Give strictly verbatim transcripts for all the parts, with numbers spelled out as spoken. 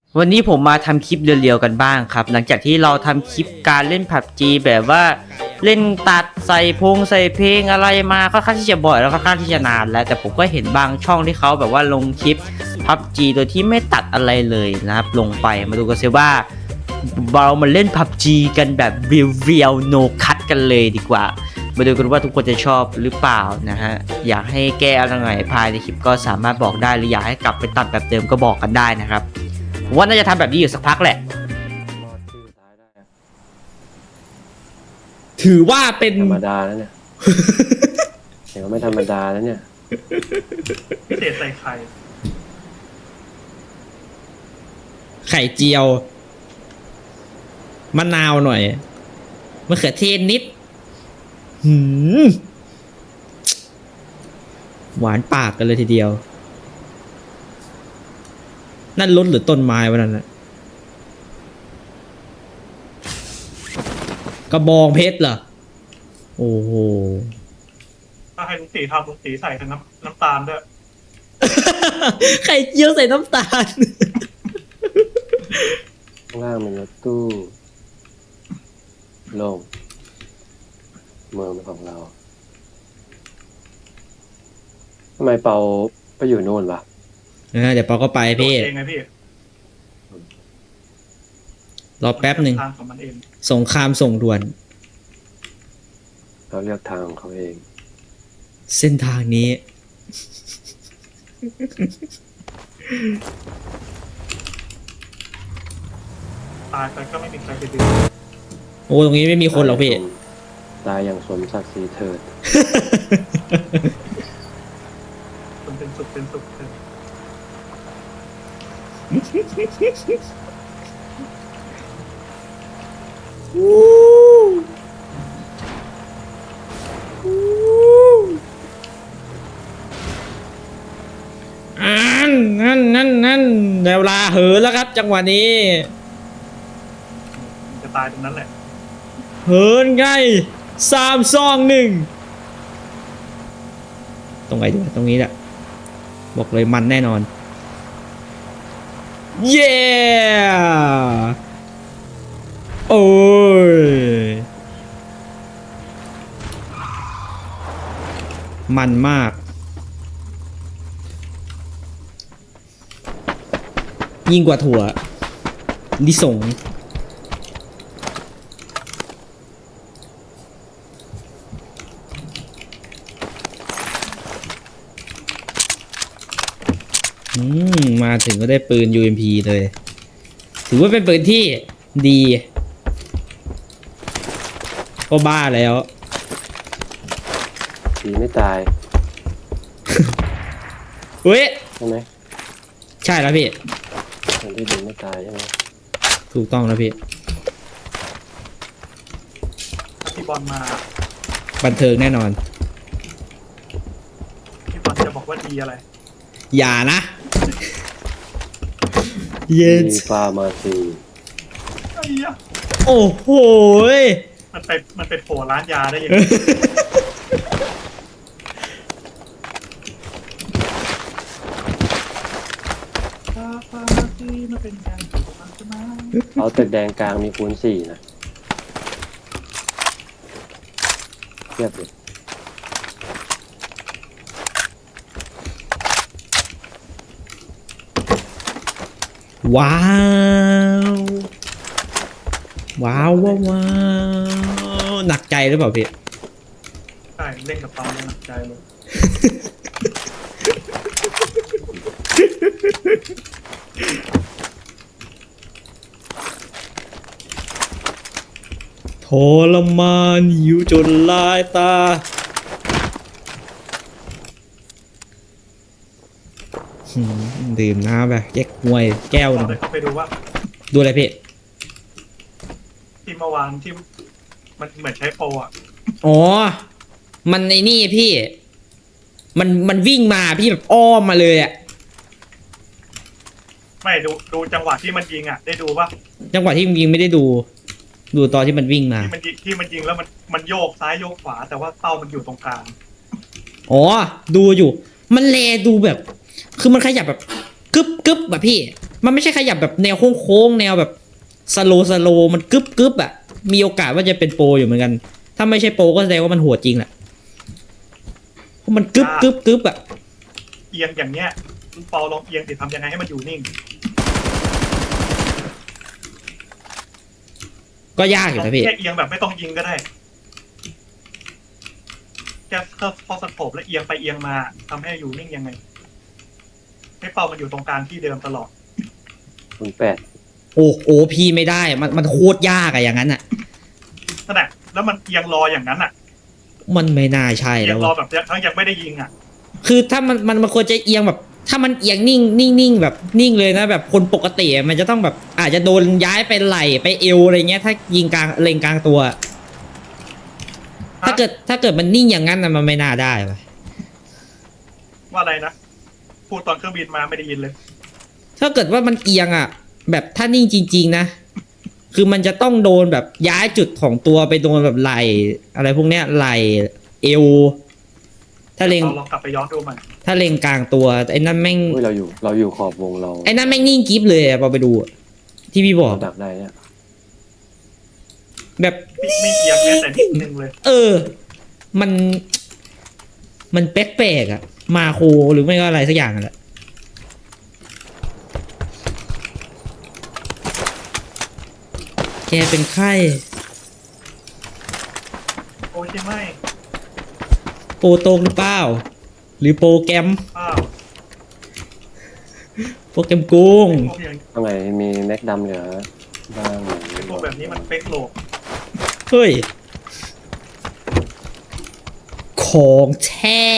วันนี้ผมมาทำคลิปเรียวๆกันบ้างครับหลังจากที่เราทำคลิปการเล่น พับจี แบบว่าเล่นตัดใส่พงใส่เพลงอะไรมาค่อนข้างที่จะบ่อยแล้วค่อนข้างที่จะนานแล้วแต่ผมก็เห็นบางช่องที่เขาแบบว่าลงคลิป พับจี โดยที่ไม่ตัดอะไรเลยนะครับลงไปมาดูกันซิว่าเรามาเล่น พับจี กันแบบเรียวๆ no cut กันเลยดีกว่ามาดูกันว่าทุกคนจะชอบหรือเปล่านะฮะอยากให้แก้อะไรไงภายในคลิปก็สามารถบอกได้หรืออยากให้กลับไปตัดแบบเดิมก็บอกกันได้นะครับว่าน่าจะทำแบบนี้อยู่สักพักแหละถือว่าเป็นธรรมดาแล้วเนี่ยเดี๋ยวไม่ธรรมดาแล้วเนี่ยพิเศษใส่ไข่ไข่เจียวมะนาวหน่อยมะเขือเทศนิดหืมหวานปากกันเลยทีเดียวนั่นรถหรือต้นไม้วะนั่นนะกระบองเพชรเหรอโอ้โหถ้าให้ลุงตีทำลุงตีใส่ทั้งน้ำน้ำตาลด้วยไข่เจียวใส่น้ำตาลข้างล่างเป็นรถตู้โล่งเมืองเป็นของเราทำไมเปาไปอยู่โน่นวะเดี๋ยวปอก็ไปพี่เองไงพี่รอแป๊บหนึ่งทางของมันเองสงครามส่งด่วนเขาเลือกทางของเขาเองเส้นทางนี้ตายไปก็ไม่มีใครไปดึงโอ้ตรงนี้ไม่มีคนหรอกพี่ตายอย่างสมศักดิ์ศรีเถิดคนเป็นสุขเป็นสุขเลยอันนั่นนั่นนั่นเวลาเหินแล้วครับ จังหวะนี้จะตายตรงนั้นแหละเหินไงสามสองหนึ่งตรงไหนดีตรงนี้แหละบอกเลยมันแน่นอนเย้โอ้ยมันมากยิ่งกว่าถั่วลิสงอืมมาถึงก็ได้ปืน ยู เอ็ม พี เลย ถือว่าเป็นปืนที่ดีก็บ้าแล้วผีไม่ตายเฮ้ยใช่ไหมใช่แล้วพี่คนที่ดีไม่ตายใช่ไหมถูกต้องแล้วพี่ถ้าพี่บอลมาบันเทิงแน่นอนพี่บอลจะบอกว่าดีอะไรอย่านะ เย็นมีฟาร์มาซีไอ้ยะโอ้โหยมันไปมันไปโผล่ร้านยาได้ยังไงฟาฟาร์มาซีมันเป็นการถูกต้องใช่ไหมเอาตึกแดงกลางมีคูณสี่นะเทียบเลยว้าว ว้าวว้าวว้าวหนักใจหรือเปล่าพี่ใช่เล่นกับตอนหนักใจเลยทรมานหิวจนลายตาหืมดื่มน้ำแบบแยกหวยแก้วหเรานึ่งเลยเข้าไปดูว่าดูอะไรพี่ที่เมื่อวานที่มันเหมือนใช้โปรอ่ะอ๋อ มันในนี่พี่ มันมันวิ่งมาพี่แบบอ้อมมาเลยอะไม่ดูดูจังหวะที่มันยิงอ่ะ ได้ดูป่ะจังหวะที่ยิงไม่ได้ดู ดูตอนที่มันวิ่งมาที่มันยิงที่มันยิงแล้วมันมันโยกซ้ายโยกขวา แต่ว่าเป้ามันอยู่ตรงกลางอ๋อ ดูอยู่ มันแลดูแบบ คือมันขยับแบบกึบกึบแบบพี่มันไม่ใช่ขยับแบบแนวโค้งๆแนวแบบสโลสโลมันกึบกึบอะมีโอกาสว่าจะเป็นโปรอยู่เหมือนกัน ถ้าไม่ใช่โปรก็แสดงว่ามันโหดจริงแหละเพราะมันกึบกึบกึบอะเอียงอย่างเนี้ยคุณเปาลองเอียงติทำยังไงให้มันอยู่นิ่งก็ยากอยู่นะพี่แค่เอียงแบบไม่ต้องยิงก็ได้แค่เข้าสโคปแล้วเอียงไปเอียงมาทำให้อยู่นิ่งยังไงให้เปามันอยู่ตรงกลางที่เดิมตลอดคุณแปดโอ้โอพี่ไม่ได้มันมันโคตรยากอะอย่างนั้นอะนั่นแหละแล้วมันเอียงรออย่างนั้นอ่ะมันไม่น่าใช่เอีแล้ยงรอวอะแบบทั้งยังไม่ได้ยิงอ่ะคือถ้ามันมันมันควรจะเอียงแบบ ถ้ามันเอียงนิ่งนิ่งนิ่งแบบนิ่งเลยนะแบบคนปกติอะมันจะต้องแบบอาจจะโดนย้ายไปไหล่ไปเอวอะไรเงี้ยถ้ายิงกลางเลงกลางตัว ถ้าเกิดถ้าเกิดมันนิ่งอย่างนั้นนะมันไม่น่าได้วะว่าอะไรนะพูดตอนเครื่องบินมาไม่ได้ยินเลยถ้าเกิดว่ามันเอียงอ่ะ แบบถ้านิ่งจริงๆนะ คือมันจะต้องโดนแบบย้ายจุดของตัวไปโดนแบบไหล่อะไรพวกเนี้ยไหล่เอว ถ้าเลงเราลองกลับไปย้อนดูมันถ้าเลงกลางตัวไอ้นั่นแม่งอุ้ยเราอยู่เราอยู่ขอบวงเราไอ้นั่นแม่งนิ่งกิฟเลยอะพอไปดูอะที่พี่บอกเราดักได้เนี่ยแบบไม่ไม่เอียงแม้แต่นิดนึงเลยเออ มัน มันแปลกๆอะมาโคหรือไม่ก็อะไรสักอย่างนั่นแหละแกเป็นไข้โอ้ใช่ไหมโปรโตงหรือเปล่า หรือโปรแกรมอ้าวโปรแกรมโกงพวกอย่างตรงไหนมีแม็กดำเหลือบ้างไหมไอ้พวกแบบนี้มันเป๊กโหลกเฮ้ย ของแท้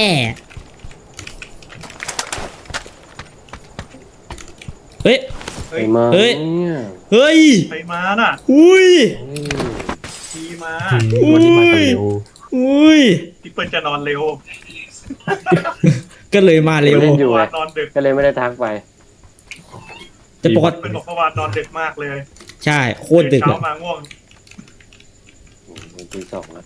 เฮ้ยเฮ้ยไปมาเฮ้ยเนี่ยเฮ้ยไปมาน่ะอุ้ยเฮ้ยทีมาอืมวันนี้มากันเร็วอุ้ยพี่เปิ้ลจะนอนเร็วก็เลยมาเร็วเล่นอยู่เมื่อไงวานนอนดึกก็เลยไม่ได้ทักไปแต่ปกติเปิ้ลบอกเมื่อวานนอนดึกมากเลยใช่ โคตรดึกเช้าอะมาง่วงตีสองแล้ว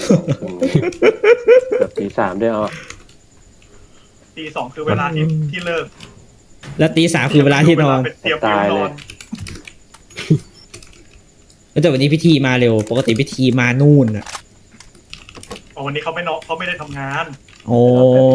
เกือบตีสามด้วยอ่ะตีสองคือเวลาที่ที่เลิกแล้วตีสามคือเวลาที่นอนเวลาเป็นเตรียมเตรียมนอนแต่วันนี้พิธีมาเร็ว ปกติพิธีมานู่นอะอ๋อวันนี้เขาไม่นอนเขาไม่ได้ทำงานโอ้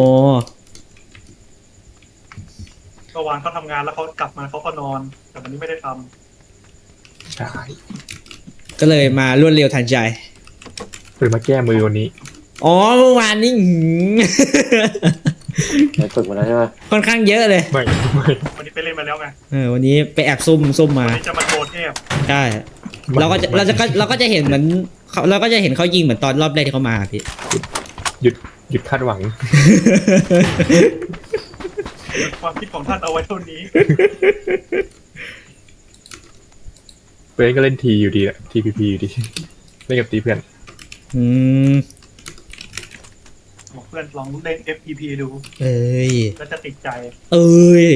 เมื่อวานเขาทำงานแล้วเขากลับมาเขาก็นอน แต่วันนี้ไม่ได้ทำใช่ก็เลยมารวดเร็วทันใจเปิดมาแก้มือวันนี้อ๋อเมื่อวานนี้หืมไปฝึกมาแล้วใช่ไหมค่อนข้างเยอะเลยไม่ไม่วันนี้ไปเล่นมาแล้วไงเออวันนี้ไปแอบซุ่มซุ่มมาวันนี้จะมาโชว์เทพใช่ เราก็จะเราจะเราก็จะเห็นเหมือนเขาเราก็จะเห็นเขายิงเหมือนตอนรอบแรกที่เขามาพี่หยุดหยุดคาดหวังความคิดของท่านเอาไว้เท่านี้เพื่อนก็เล่นทีอยู่ดีแหละทีพีพีอยู่ดีเล่นกับตีเพื่อนอืมบอกเพื่อนลองเล่น เอฟ พี พี ดูเอ้ยแล้วจะติดใจเอ้ย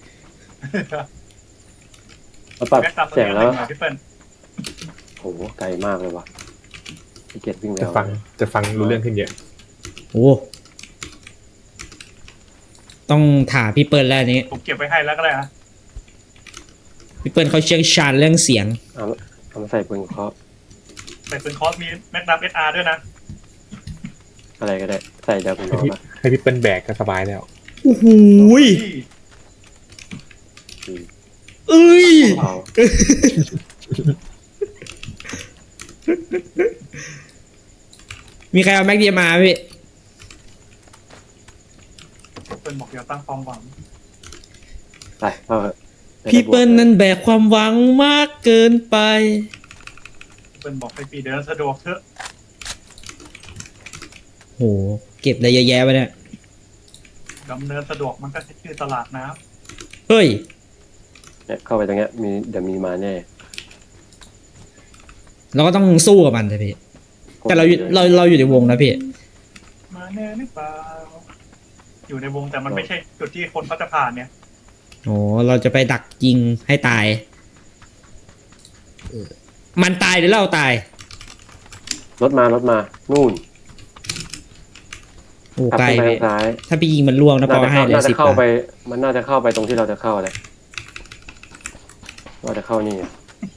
เราปรับแม็กซ์ตามตัวเสียงนี้แล้วหน่อยพี่เปิ้ลโหไกลมากเลยว่ะพี่เกียรติวิ่งจะแล้วฟังจะฟังรู้เรื่องขึ้นเยอะโอ้ต้องถามพี่เปิ้ลแล้วอันนี้ผมเก็บไว้ให้แล้วก็ได้อะพี่เปิ้ลเขาเชี่ยวชาญเรื่องเสียงเอาเอามาใส่ปืนเคาะแต่เป็นคอร์สมีแม็กนัมเอสอาร์ด้วยนะอะไรก็ได้ ใส่ดาวคุณน้องอะให้พี่เปิ้ลแบกก็สบายแล้วโอ้โหยอืมเอ้ยเอามีใครเอาแม็กเดียมาพี่เปิ้ลบอกอย่าตั้งความหวังไปเอาเถอะพี่เปิ้ลนั้นแบกความหวังมากเกินไปเปิ้ลบอกไปปีเดินสะดวกเถอะโห เก็บอะไรเยอะแยะไปเนี่ยดำเนินสะดวกมันก็ใช้ชื่อตลาดน้เฮ้ยเนี่ยเข้าไปตรงเนี้ยมีเดี๋ยวมีมาแน่เราก็ต้องสู้กับมันใช่พี่ แต่เราอยู่เราเราอยู่ในวงนะพี่ำมาแน่หรือเปล่าอยู่ในวงแต่มันไม่ใช่จุดที่คนเขาจะผ่านเนี่ยโอ้เราจะไปดักยิงให้ตาย มันตายหรือเราตายรถมารถมา นู่นโอ้ขับไกลขึ้นไปพี่ทางซ้ายถ้าพี่ยิงมันล่วงนะพน่าอจะให้เข้าเลยน่าจะสิบเข้าบาทไป มันน่าจะเข้าไปตรงที่เราจะเข้าเลยว่าจะเข้านี่อะ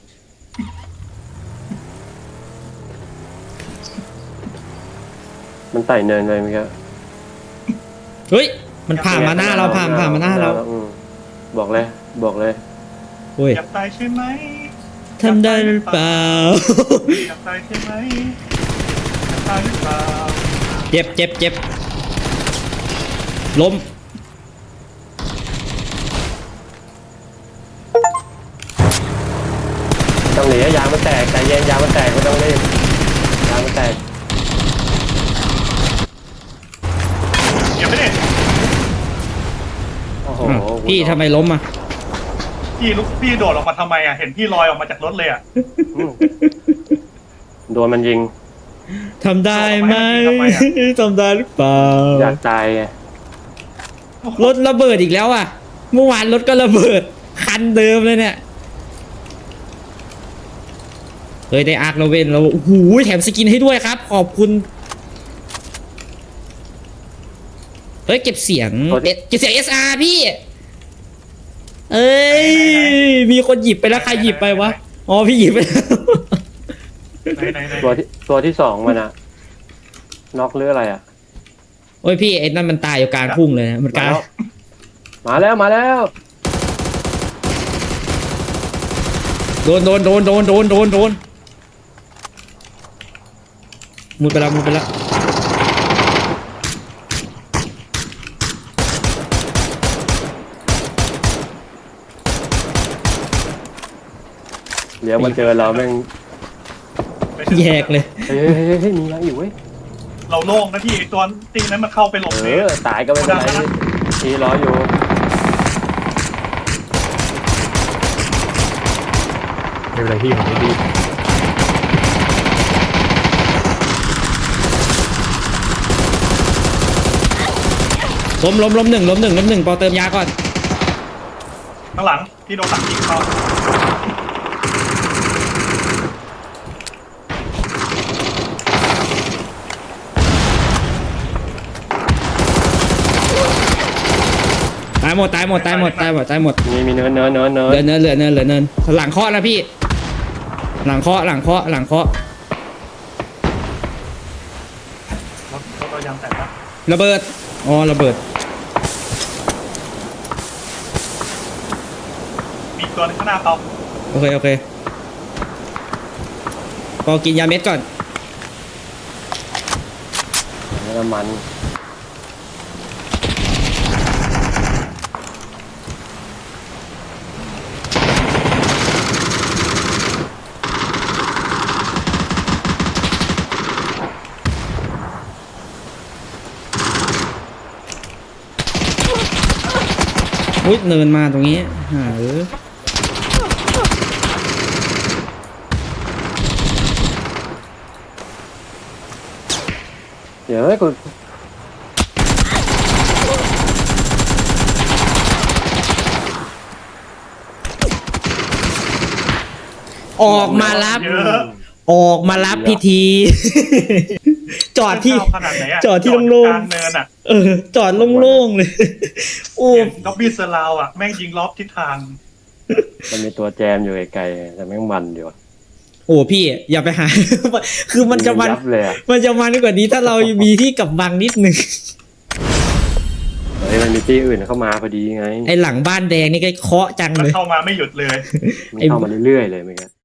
มันไต่เนินไปเมื่อกี้เฮ้ยมันผ่านมาหน้าเราผ่านผ่านมาหน้าเราอืมบอกเลย บอกเลยโอ้ยอยากตายใช่ไหมทำได้หรือเปล่าอยากตายใช่ไหมอยากตายหรือเปล่าเจ็บเจ็บเจ็บล้มต้องหนียางมันแตกใจเย็นยางมันแตกไม่ต้องรีบยางมันแตกเดี๋ยวไม่ได้โอ้โหอ้าวพี่ทำไมล้มอ่ะพี่ลุกพี่โดดออกมาทำไมอ่ะเห็นพี่ลอยออกมาจากรถเลยอ่ะอืมโดนมันยิงทำได้ไหมทำไมอะทำได้หรือเปล่าอยากตายไงรถระเบิดอีกแล้วอ่ะ เมื่อวานรถก็ระเบิด คันเดิมเลยเนี่ยเฮ้ยได้อาร์คเราเว้นเราโอ้โหแถมสกินให้ด้วยครับ ขอบคุณ เฮ้ยเก็บเสียงเอ๊ะเก็บเสียง เอส อาร์ พี่ เอ้ย มีคนหยิบไปแล้วใครหยิบไปวะ อ๋อพี่หยิบไปแล้วไหนไหนไหนตัวที่ตัวที่สองมันอะน็อกหรืออะไรอะโอ้ยพี่ไอ้นั่นมันตายอยู่กลางทุ่งเลยนะมันกลางมาแล้วมาแล้วโดนโดนโดนโดนโดนโดนโดนมุดไปแล้วมุดไปแล้วเดี๋ยวมันเจอเราแม่งแยกเลยเฮ้ยเฮ้ยเฮ้ยเฮ้ยมียังอยู่เว้ยเราโล่งนะพี่ไอ้ตัวตีนั้นมันเข้าไปหลบเอเลอตายก็ไม่เป็นไรทีรออยู่ไม่เป็นไรพี่ผมไม่ดีล้มล้มล้มหนึ่งล้มหนึ่งล้มหนึ่งพอเติมยาก่อนข้างหลังพี่โดนหลังยิงเข้าตายหมดตายหมดตายหมดตายหมดตายหมดมีมีเนินเนินเนินเนิเหลือน เนินเหลือเนินเหลือเนินหลังเคาะนะพี่ หลังเคาะหลังเคาะหลังเคาะรถรถเรายางแตกแล้วระเบิดอ๋อระเบิดมีอีกตัวหนึงข้างหน้าเขาโอเคโอเคพอกินยาเม็ดก่อนน้ำมันอุ้ยเนินมาตรงนี้หาเออเดี๋ยวให้กูออกมารับเยอะออกมารับพิธี จอดที่เข้าขนาดไหนอะจอดที่ยู่โล่งกลางเนินอ่ะๆเออ จอดโล่งๆเลย โอ้ล็อบบี้เซอร์ราวอ่ะแม่งยิงล็อบทิศทางมันมีตัวแจมอยู่ไกลๆแต่แม่งมันอยู่อะโอ้พี่อย่าไปหา คือมันจะมันยับเลยอะมันจะมันกว่านี้ถ้าเรามีที่กำบังนิดนึงเฮ้ยมันมีที่อื่นเข้ามาพอดีไงไอหลังบ้านแดงนี่ก็เคาะจังมันเลยเข้ามาไม่หยุดเลยมันเข้ามาเรื่อยๆเลยเมื่อกี้